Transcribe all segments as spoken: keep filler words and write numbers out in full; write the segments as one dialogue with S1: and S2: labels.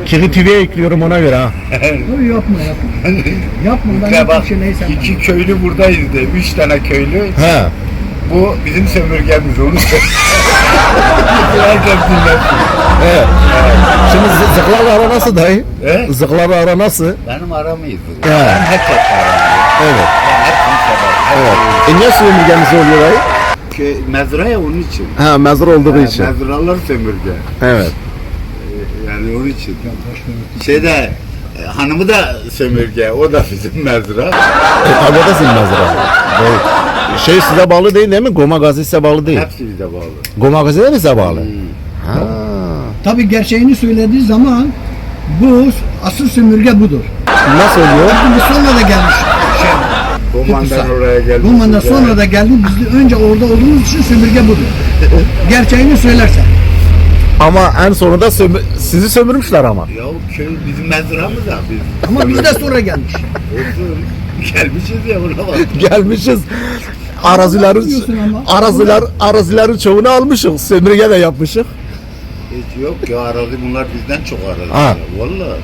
S1: Kiri T V'ye ekliyorum ona göre ha.
S2: Dur yapma yapma. Yapma ben
S3: Ya bak,
S2: bir şey neyse.
S3: iki köylü buradayız de, üç tane köylü.
S1: He.
S3: Bu bizim sömürgemiz, onu söylüyor. Herkes dinlesin.
S1: Evet. Şimdi zı- zıklarla ara nasıl dayı?
S3: He?
S1: Zıklarla ara nasıl?
S3: Benim aram iyidir.
S1: He.
S3: Ben herkes aram.
S1: Evet.
S3: Hepsini severim.
S1: Evet. E niye sömürgemiz oluyor dayı?
S3: Kö- Mezra ya onun için.
S1: Ha, mezar olduğu
S3: Ha,
S1: için.
S3: Mezralar sömürge.
S1: Evet.
S3: Ee, Yani onun için. Şeyde e, hanımı da sömürge, o da bizim mezra.
S1: E tabi o da senin mezara. Evet. Şey size bağlı değil değil mi? Goma Gazi size bağlı değil.
S3: Hepsi bize bağlı.
S1: Goma Gazi de mi size bağlı?
S3: Hmm.
S1: Ha.
S2: Tabii gerçeğini söylediği zaman bu asıl sömürge budur.
S1: Nasıl oluyor?
S2: Şimdi sonra da gelmiş. Şey,
S3: Romandan
S2: Kıbrıs'a.
S3: oraya geldi.
S2: Roman'dan sonra da geldi. Biz de önce orada olduğumuz için sömürge budur. Gerçeğini söylersen.
S1: Ama en sonunda sömü- sizi sömürmüşler ama.
S3: Ya köy bizim mezramız da biz.
S2: Ama biz de sonra gelmiş.
S3: Olsun. Gelmişiz ya buna bak.
S1: Gelmişiz. Arazilerin
S2: Diyorsun ama.
S1: araziler arazilerin çoğunu almışız. Sömürge de yapmışız.
S3: Hiç yok ya, arazi bunlar bizden çok arazi.
S1: Ha.
S3: Ya, vallahi.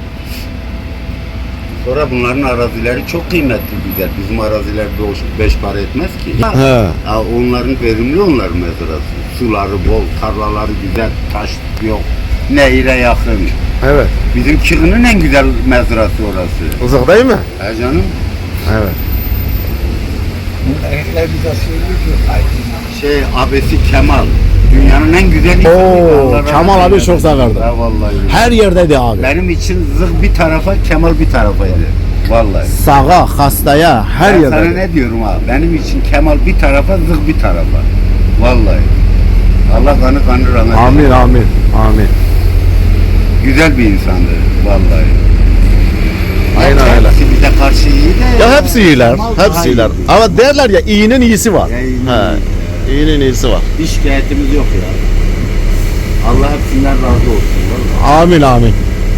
S3: Sonra bunların arazileri çok kıymetli güzel. Bizim araziler beş, beş para etmez ki.
S1: He.
S3: Ya onların verimli, onların mezrası. Suları bol, tarlaları güzel, taş yok. Nehire yakın.
S1: Evet.
S3: Bizim Kırı'nın en güzel mezrası orası.
S1: Uzak değil mi?
S3: He canım.
S1: Evet.
S2: Erkekler bize söylüyor.
S3: Şey abesi Kemal. Dünyanın en güzel insanı.
S1: Oo,
S3: Allah rahmet
S1: Kemal abi
S3: eylesin.
S1: çok severdi.
S3: Ha vallahi.
S1: Her yerdeydi abi.
S3: Benim için zırh bir tarafa, Kemal bir tarafaydı. Vallahi.
S1: Sağa, hastaya, her
S3: Ben sana
S1: yerde.
S3: ne diyorum abi? Benim için Kemal bir tarafa, zırh bir tarafa. Vallahi. Allah kanı kanı rahmet eylesin.
S1: Amin, amin, amin.
S3: Güzel bir insandı vallahi.
S1: Aynen öyle.
S3: Hepsi bize karşı iyi de.
S1: Ya hepsi iyiler,
S3: Kemal daha
S1: hepsi iyiler.
S3: iyiydi.
S1: Ama derler ya iyinin iyisi var.
S3: Ya iyinin
S1: He.
S3: iyisi.
S1: İyinin iyisi var.
S3: Bir şikayetimiz yok ya. Allah hepsinden razı olsun. Vallahi.
S1: Amin, amin.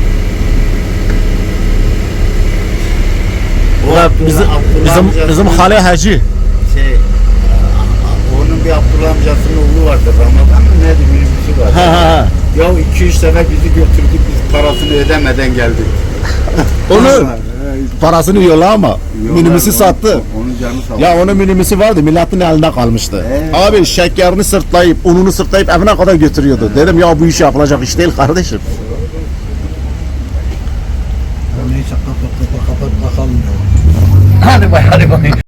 S3: O
S1: Ve
S3: Abdullah-
S1: bizim
S3: Abdullah
S1: bizim
S3: amcasının-
S1: bizim Hale Hacı.
S3: Şey, onun bir Abdullah amcasının oğlu vardı, Ramazan mı neydi, minibüsü var.
S1: Ha ha ha.
S3: Ya iki üç sefer bizi götürdük, biz parasını ödemeden geldik.
S1: Onu parasını yolla ama
S3: Yiyorlar,
S1: minibüsü
S3: onu-
S1: sattı.
S3: Onun canı sağ olsun.
S1: Ya onun minibüsü vardı, milletin elinde kalmıştı.
S3: Evet.
S1: Abi şekerini sırtlayıp, ununu sırtlayıp evine kadar götürüyordu. Dedim ya bu iş yapılacak iş değil kardeşim.
S2: Neyse kapat kapat kapat bakalım.
S4: Hadi bay hadi bay.